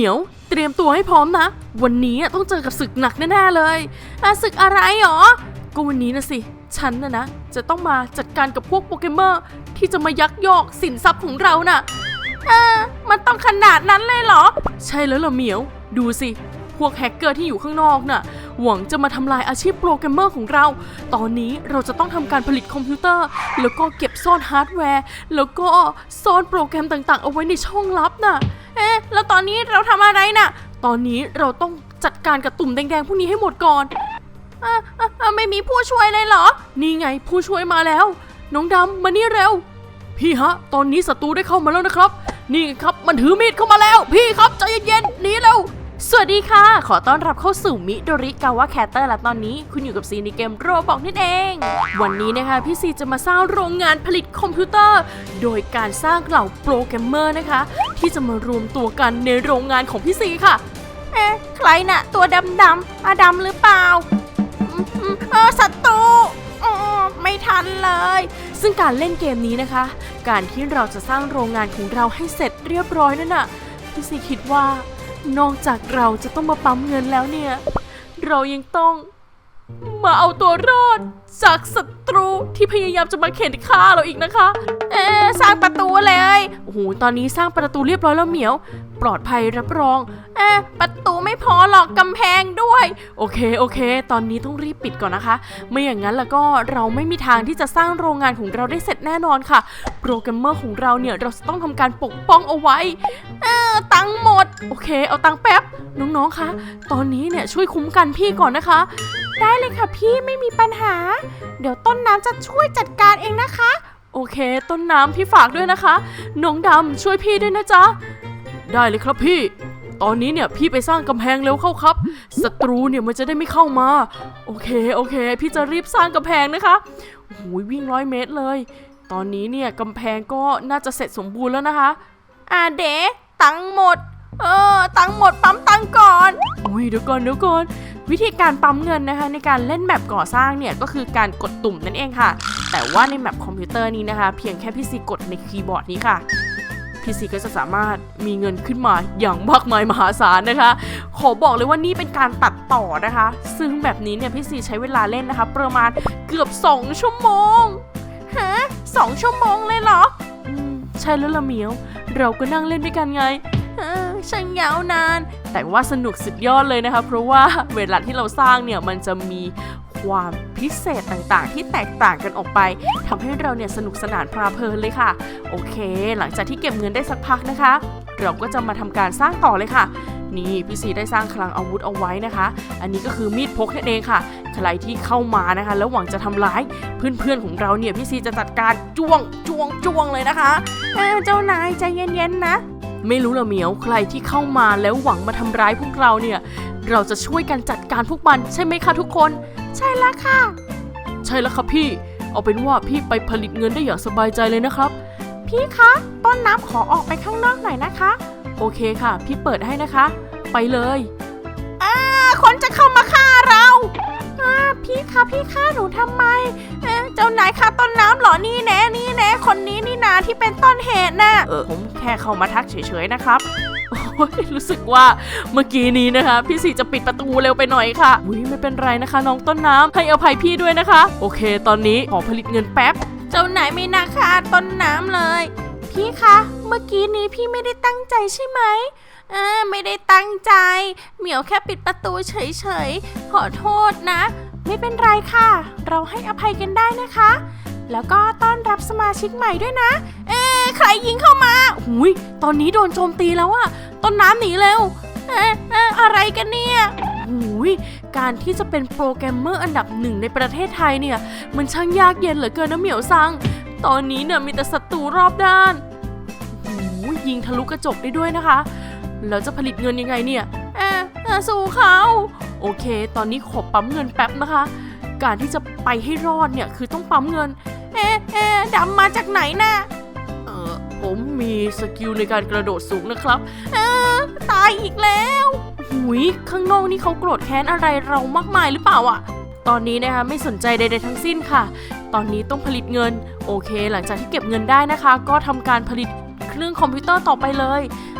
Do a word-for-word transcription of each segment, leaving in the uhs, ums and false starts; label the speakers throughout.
Speaker 1: มียวเตรียมตัวให้พร้อมนะวันนี้ต้องเจอกับศึกหนักแน่ๆเลยอ่ะศึกอะไรหรอก็วันนี้นะสิฉันนะนะจะต้องมาจัดการกับพวกโปเกมอนที่จะมายักยอกสินทรัพย์ของเราน่ะอ่ามันต้องขนาดนั้นเลยเหรอใช่แล้วล่ะเหมียวดูสิพวกแฮกเกอร์ที่อยู่ข้างนอกน่ะหวังจะมาทำลายอาชีพโปรแกรมเมอร์ของเราตอนนี้เราจะต้องทำการผลิตคอมพิวเตอร์แล้วก็เก็บซ่อนฮาร์ดแวร์แล้วก็ซ่อนโปรแกรมต่างๆเอาไว้ในช่องลับน่ะเอ๊ะแล้วตอนนี้เราทำอะไรน่ะตอนนี้เราต้องจัดการกับตุ่มแดงๆพวกนี้ให้หมดก่อนอ่ะอ่ะไม่มีผู้ช่วยเลยเหรอนี่ไงผู้ช่วยมาแล้วน้องดำมานี่เร็วพี่ฮะตอนนี้ศัตรูได้เข้ามาแล้วนะครับนี่ครับมันถือมีดเข้ามาแล้วพี่ครับใจเย็นๆหนีเร็วสวัสดีค่ะขอต้อนรับเข้าสู่มิโดริกาวะแคตเตอร์และตอนนี้คุณอยู่กับซีในเกมโรบอกนั่นเองวันนี้นะคะพี่ซีจะมาสร้างโรงงานผลิตคอมพิวเตอร์โดยการสร้างเหล่าโปรแกรมเมอร์นะคะที่จะมารวมตัวกันในโรงงานของพี่ซีค่ะเอ๊ะใครน่ะตัวดำๆอาดำหรือเปล่าเออศัตรูไม่ทันเลยซึ่งการเล่นเกมนี้นะคะการที่เราจะสร้างโรงงานของเราให้เสร็จเรียบร้อยนั่นน่ะพี่ซีคิดว่านอกจากเราจะต้องมาปั๊มเงินแล้วเนี่ยเรายังต้องมาเอาตัวรอดจากศัตรูที่พยายามจะมาเข็นฆ่าเราอีกนะคะเอ๊ะสร้างประตูเลยโอ้โหตอนนี้สร้างประตูเรียบร้อยแล้วเหมียวปลอดภัยรับรองเอ๊ะประตูไม่พอหรอกกำแพงด้วยโอเคโอเคตอนนี้ต้องรีบปิดก่อนนะคะไม่อย่างนั้นแล้วก็เราไม่มีทางที่จะสร้างโรงงานของเราได้เสร็จแน่นอนค่ะโปรแกรมเมอร์ของเราเนี่ยเราจะต้องทำการปกป้องเอาไว้เอ๊ะตังค์หมดโอเคเอาตังค์แป๊บน้องๆคะตอนนี้เนี่ยช่วยคุ้มกันพี่ก่อนนะคะได้เลยค่ะพี่ไม่มีปัญหาเดี๋ยวต้นน้ำจะช่วยจัดการเองนะคะโอเคต้นน้ำพี่ฝากด้วยนะคะน้องดำช่วยพี่ด้วยนะจ๊ะได้เลยครับพี่ตอนนี้เนี่ยพี่ไปสร้างกำแพงเร็วเข้าครับศัตรูเนี่ยมันจะได้ไม่เข้ามาโอเคโอเคพี่จะรีบสร้างกำแพงนะคะโอ้โหวิ่งร้อยเมตรเลยตอนนี้เนี่ยกำแพงก็น่าจะเสร็จสมบูรณ์แล้วนะคะอ่าเด๋ตังหมดเออตังหมดปั๊มตังก่อนอุ้ยเดี๋ยวก่อนเดี๋ยวก่อนวิธีการปั๊มเงินนะคะในการเล่นแมปก่อสร้างเนี่ยก็คือการกดตุ่มนั่นเองค่ะแต่ว่าในแมปคอมพิวเตอร์นี้นะคะเพียงแค่พี่ซีกดในคีย์บอร์ดนี้ค่ะพี่ซีก็จะสามารถมีเงินขึ้นมาอย่างมากมายมหาศาลนะคะขอบอกเลยว่านี่เป็นการตัดต่อนะคะซึ่งแบบนี้เนี่ยพี่ซีใช้เวลาเล่นนะคะประมาณเกือบสองชั่วโมงฮะสองชั่วโมงเลยเหรออืมใช่แล้วละเหมียวเราก็นั่งเล่นด้วยกันไงช่างยาวนานแต่ว่าสนุกสุดยอดเลยนะคะเพราะว่าเวลาที่เราสร้างเนี่ยมันจะมีความพิเศษต่างๆที่แตกต่างกันออกไปทำให้เราเนี่ยสนุกสนานเพลิดเพลินเลยค่ะโอเคหลังจากที่เก็บเงินได้สักพักนะคะเราก็จะมาทำการสร้างต่อเลยค่ะนี่พี่ซีได้สร้างคลังอาวุธเอาไว้นะคะอันนี้ก็คือมีดพกนั่นเองค่ะใครที่เข้ามานะคะแล้วหวังจะทำร้ายเพื่อนๆของเราเนี่ยพี่ซีจะจัดการจ้วงจ้วงจ้วงเลยนะคะเอ้าเจ้านายใจเย็นๆนะไม่รู้ละเหมียวใครที่เข้ามาแล้วหวังมาทำร้ายพวกเราเนี่ยเราจะช่วยกันจัดการพวกมันใช่ไหมคะทุกคนใช่แล้วค่ะใช่แล้วครับพี่เอาเป็นว่าพี่ไปผลิตเงินได้อย่างสบายใจเลยนะครับพี่คะต้นน้ำขอออกไปข้างนอกหน่อยนะคะโอเคค่ะพี่เปิดให้นะคะไปเลยอ่าคนจะเข้ามาฆ่าเราอ่าพี่คะพี่ฆ่าหนูทำไมเอ๊ะเจ้านายฆ่าต้นน้ำเหรอนี่แน่นี่แน่คนนี้นี่นาที่เป็นต้นเหตุน่ะเออผมแค่เข้ามาทักเฉยๆนะครับรู้สึกว่าเมื่อกี้นี้นะคะพี่สีจะปิดประตูเร็วไปหน่อยค่ะอุ้ยไม่เป็นไรนะคะน้องต้นน้ำให้อภัยพี่ด้วยนะคะโอเคตอนนี้ขอผลิตเงินแป๊บเจ้านายไม่น่าฆ่าต้นน้ำเลยพี่คะเมื่อกี้นี้พี่ไม่ได้ตั้งใจใช่ไหมอ่าไม่ได้ตั้งใจเหมียวแค่ปิดประตูเฉยๆขอโทษนะไม่เป็นไรค่ะเราให้อภัยกันได้นะคะแล้วก็ต้อนรับสมาชิกใหม่ด้วยนะเอ๊ะใครยิงเข้ามาหุยตอนนี้โดนโจมตีแล้วอะต้นน้ำหนีเร็วเอ๊ะเอ๊ะอะไรกันเนี่ยหุยการที่จะเป็นโปรแกรมเมอร์อันดับหนึ่งในประเทศไทยเนี่ยมันช่างยากเย็นเหลือเกินนะเหมียวซังตอนนี้เนี่ยมีแต่ศัตรูรอบด้านหุยยิงทะลุกระจกได้ด้วยนะคะแล้วจะผลิตเงินยังไงเนี่ยเอ๊ะเอ๊ะสู้เขาโอเคตอนนี้ขอปั๊มเงินแป๊บนะคะการที่จะไปให้รอดเนี่ยคือต้องปั๊มเงินเอ๊ะเอ๊ะดำมาจากไหนน่ะเออผมมีสกิลในการกระโดดสูงนะครับเออตายอีกแล้วหุยข้างนอกนี่เขาโกรธแค้นอะไรเรามากมายหรือเปล่าอ่ะตอนนี้นะคะไม่สนใจใดๆทั้งสิ้นค่ะตอนนี้ต้องผลิตเงินโอเคหลังจากที่เก็บเงินได้นะคะก็ทำการผลิตเครื่องคอมพิวเตอร์ต่อไปเลย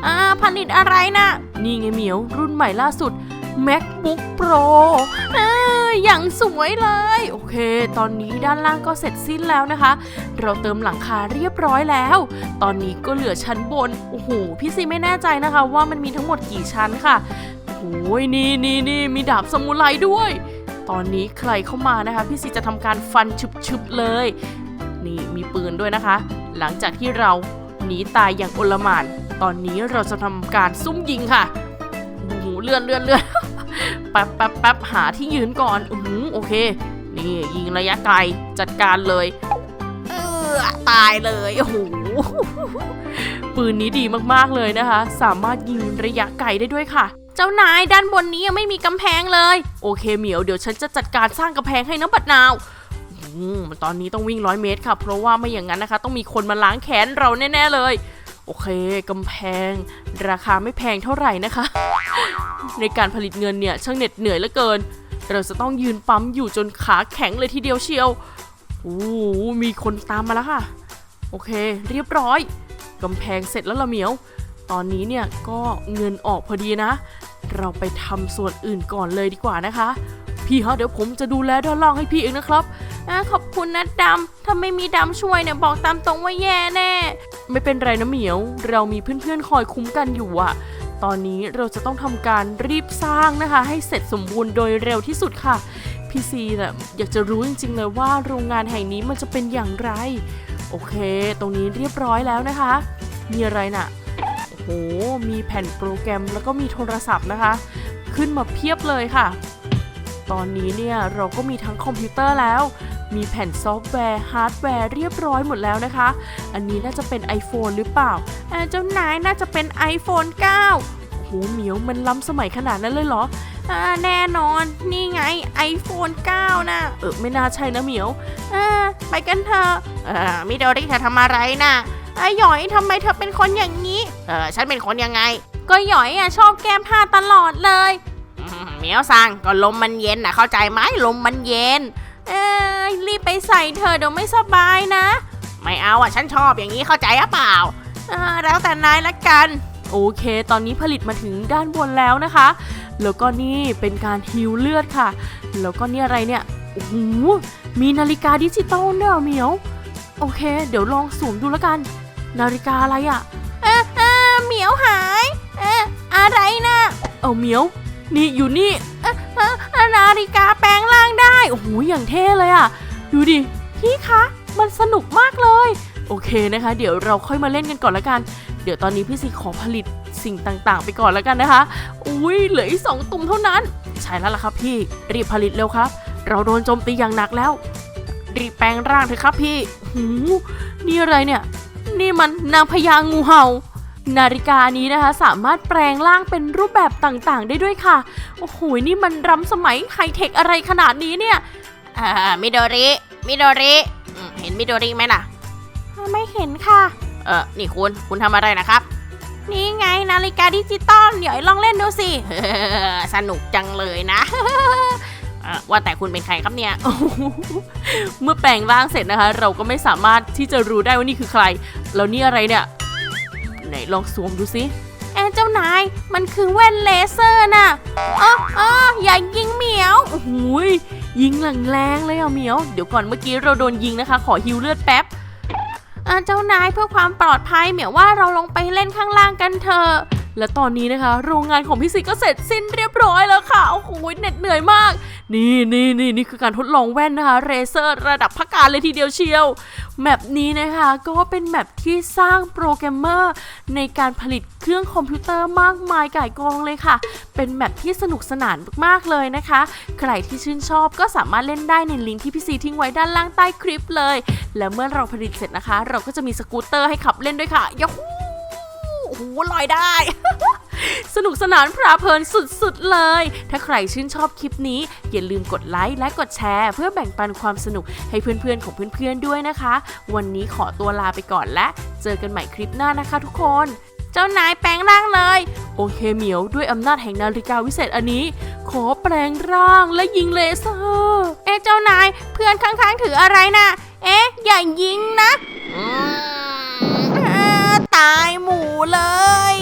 Speaker 1: อ่าผลิตอะไรนะนี่ไงเหมียวรุ่นใหม่ล่าสุด MacBook Pro เอออย่างสวยเลยโอเคตอนนี้ด้านล่างก็เสร็จสิ้นแล้วนะคะเราเติมหลังคาเรียบร้อยแล้วตอนนี้ก็เหลือชั้นบนโอ้โหพี่ซีไม่แน่ใจนะคะว่ามันมีทั้งหมดกี่ชั้นค่ะโอ้ยนี่นี่นี่มีดาบซามูไรด้วยตอนนี้ใครเข้ามานะคะพี่ซีจะทำการฟันชึบๆเลยนี่มีปืนด้วยนะคะหลังจากที่เราหนีตายอย่างโอลหม่านตอนนี้เราจะทำการซุ่มยิงค่ะโอ้โหเลื่อนเลื่อนเลื่อน แป๊บแป๊บแป๊บหาที่ยืนก่อนอือโอเคนี่ยิงระยะไกลจัดการเลยเออตายเลยโอ้โหปืนนี้ดีมากๆเลยนะคะสามารถยิงระยะไกลได้ด้วยค่ะเจ้านายด้านบนนี้ยังไม่มีกำแพงเลยโอเคเหมียวเดี๋ยวฉันจะจัดการสร้างกำแพงให้น้ำบัดนาวอืมตอนนี้ต้องวิ่งร้อยเมตรค่ะเพราะว่าไม่อย่างนั้นนะคะต้องมีคนมาล้างแค้นเราแน่ๆเลยโอเคกำแพงราคาไม่แพงเท่าไหร่นะคะในการผลิตเงินเนี่ยช่างเหน็ดเหนื่อยเหลือเกินเราจะต้องยืนปั๊มอยู่จนขาแข็งเลยทีเดียวเชียวโอ้มีคนตามมาแล้วค่ะโอเคเรียบร้อยกำแพงเสร็จแล้วละเหมียวตอนนี้เนี่ยก็เงินออกพอดีนะเราไปทำส่วนอื่นก่อนเลยดีกว่านะคะพี่ฮะเดี๋ยวผมจะดูแลด้านล่างให้พี่เองนะครับขอบคุณนะดำถ้าไม่มีดำช่วยเนี่ยบอกตามตรงว่าแย่แน่ไม่เป็นไรนะเหมียวเรามีเพื่อนๆคอยคุ้มกันอยู่อะตอนนี้เราจะต้องทำการรีบสร้างนะคะให้เสร็จสมบูรณ์โดยเร็วที่สุดค่ะพี่ซีเนี่ยอยากจะรู้จริงๆเลยว่าโรงงานแห่งนี้มันจะเป็นอย่างไรโอเคตรงนี้เรียบร้อยแล้วนะคะมีอะไรน่ะโอ้โหมีแผ่นโปรแกรมแล้วก็มีโทรศัพท์นะคะขึ้นมาเพียบเลยค่ะตอนนี้เนี่ยเราก็มีทั้งคอมพิวเตอร์แล้วมีแผ่นซอฟต์แวร์ฮาร์ดแวร์เรียบร้อยหมดแล้วนะคะอันนี้น่าจะเป็น iPhone หรือเปล่าเจ้านายน่าจะเป็น ไอโฟนเก้า โหเหมียวมันล้ำสมัยขนาดนั้นเลยเหรออ่าแน่นอนนี่ไง ไอโฟนเก้านะเออไม่น่าใช่นะเหมียวอ่าไปกันเถอะเออมิโดริเธอทำอะไรนะไอ้หยอยทำไมเธอเป็นคนอย่างนี้เออฉันเป็นคนยังไงก็หยอยอ่ะชอบแก้ผ้าตลอดเลยเหมียวสั่งก็ลมมันเย็นนะเข้าใจไหมลมมันเย็นเอ้ยรีบไปใส่เธอเดี๋ยวไม่สบายนะไม่เอาอ่ะฉันชอบอย่างนี้เข้าใจหรือเปล่าอ่าแล้วแต่นายละกันโอเคตอนนี้ผลิตมาถึงด้านบนแล้วนะคะแล้วก็นี่เป็นการฮีลเลือดค่ะแล้วก็นี่อะไรเนี่ยโอ้โหมีนาฬิกาดิจิตอลเนี่ยเหมียวโอเคเดี๋ยวลองสวมดูแล้วกันนาฬิกาอะไรอ่ะเอ๊ะเอ๊ะเหมียวหายเอ๊ะอะไรนะเอาเหมียวนี่อยู่นี่เอ๊ะเอ๊ะนาฬิกาแปลงร่างได้โอ้โหอย่างเท่เลยอ่ะดูดิพี่คะมันสนุกมากเลยโอเคนะคะเดี๋ยวเราค่อยมาเล่นกันก่อนละกันเดี๋ยวตอนนี้พี่ซีขอผลิตสิ่งต่างๆไปก่อนแล้วกันนะคะอุ้ยเหลืออีกสองตุ่มเท่านั้นใช่แล้วล่ะครับพี่รีบผลิตเร็วครับเราโดนโจมตีอย่างหนักแล้วรีบแปลงร่างเถอะครับพี่หูนี่อะไรเนี่ยนี่มันนางพญางูเห่านาฬิกานี้นะคะสามารถแปลงร่างเป็นรูปแบบต่างๆได้ด้วยค่ะโอ้โหนี่มันล้ำสมัยไฮเทคอะไรขนาดนี้เนี่ยอ่ามิโดริมิโดริเห็นมิโดริไหมล่ะไม่เห็นค่ะเออนี่คุณคุณทำอะไรนะครับนี่ไงนาฬิกาดิจิตอลเดี๋ยวลองเล่นดูสิ สนุกจังเลยนะ ว่าแต่คุณเป็นใครครับเนี่ย เมื่อแปลงร่างเสร็จนะคะเราก็ไม่สามารถที่จะรู้ได้ว่านี่คือใครแล้วนี่อะไรเนี่ยไหนลองสวมดูสิเอ๊ะเจ้านายมันคือแว่นเลเซอร์น่ะอ๋ออ๋ออย่ายิงเหมียวโอ้โหยิงแรงๆเลยอ่ะเหมียวเดี๋ยวก่อนเมื่อกี้เราโดนยิงนะคะขอฮิวเลือดแป๊บเจ้านายเพื่อความปลอดภัยเหมียวว่าเราลงไปเล่นข้างล่างกันเถอะและตอนนี้นะคะโรงงานของพี่ซีก็เสร็จสิ้นเรียบร้อยแล้วค่ะโอ้โหเหน็ดเหนื่อยมากนี่นี่นี่นี่คือการทดลองแว่นนะคะเรเซอร์ระดับพักการเลยทีเดียวเชียวแมปนี้นะคะก็เป็นแมปที่สร้างโปรแกรมเมอร์ในการผลิตเครื่องคอมพิวเตอร์มากมายก่ายกองเลยค่ะเป็นแมปที่สนุกสนานมากๆเลยนะคะใครที่ชื่นชอบก็สามารถเล่นได้ในลิงก์ที่พี่ซีทิ้งไว้ด้านล่างใต้คลิปเลยและเมื่อเราผลิตเสร็จนะคะเราก็จะมีสกูตเตอร์ให้ขับเล่นด้วยค่ะยะฮู้โอ้โหลอยได้ สนุกสนานเพลิดเพลินสุดๆเลยถ้าใครชื่นชอบคลิปนี้อย่าลืมกดไลค์และกดแชร์เพื่อแบ่งปันความสนุกให้เพื่อนๆของเพื่อนๆด้วยนะคะวันนี้ขอตัวลาไปก่อนและเจอกันใหม่คลิปหน้านะคะทุกคนเจ้านายแปลงร่างเลยโอเคเหมียวด้วยอำนาจแห่งนาฬิกาวิเศษอันนี้ขอแปลงร่างและยิงเลเซอร์เอ๊ะเจ้านายเพื่อนข้างๆถืออะไรนะเอ๊ะอย่ายิงนะตายหมู่เลย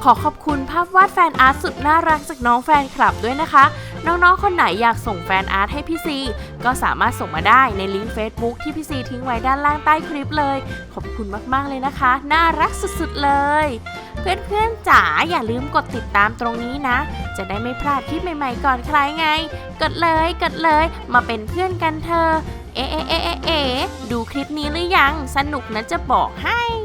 Speaker 1: ขอขอบคุณภาพวาดแฟนอาร์ตสุดน่ารักจากน้องแฟนคลับด้วยนะคะน้องๆคนไหนอยากส่งแฟนอาร์ตให้พี่ซีก็สามารถส่งมาได้ในลิงก์ Facebook ที่พี่ซีทิ้งไว้ด้านล่างใต้คลิปเลยขอบคุณมากๆเลยนะคะน่ารักสุดๆเลยเพื่อนๆจ๋าอย่าลืมกดติดตามตรงนี้นะจะได้ไม่พลาดคลิปใหม่ๆก่อนใครไงกดเลยกดเลยมาเป็นเพื่อนกันเธอเอ๊ะเอ๊ะเอ๊ะเอ๊ะดูคลิปนี้หรือยังสนุกนะจะบอกให้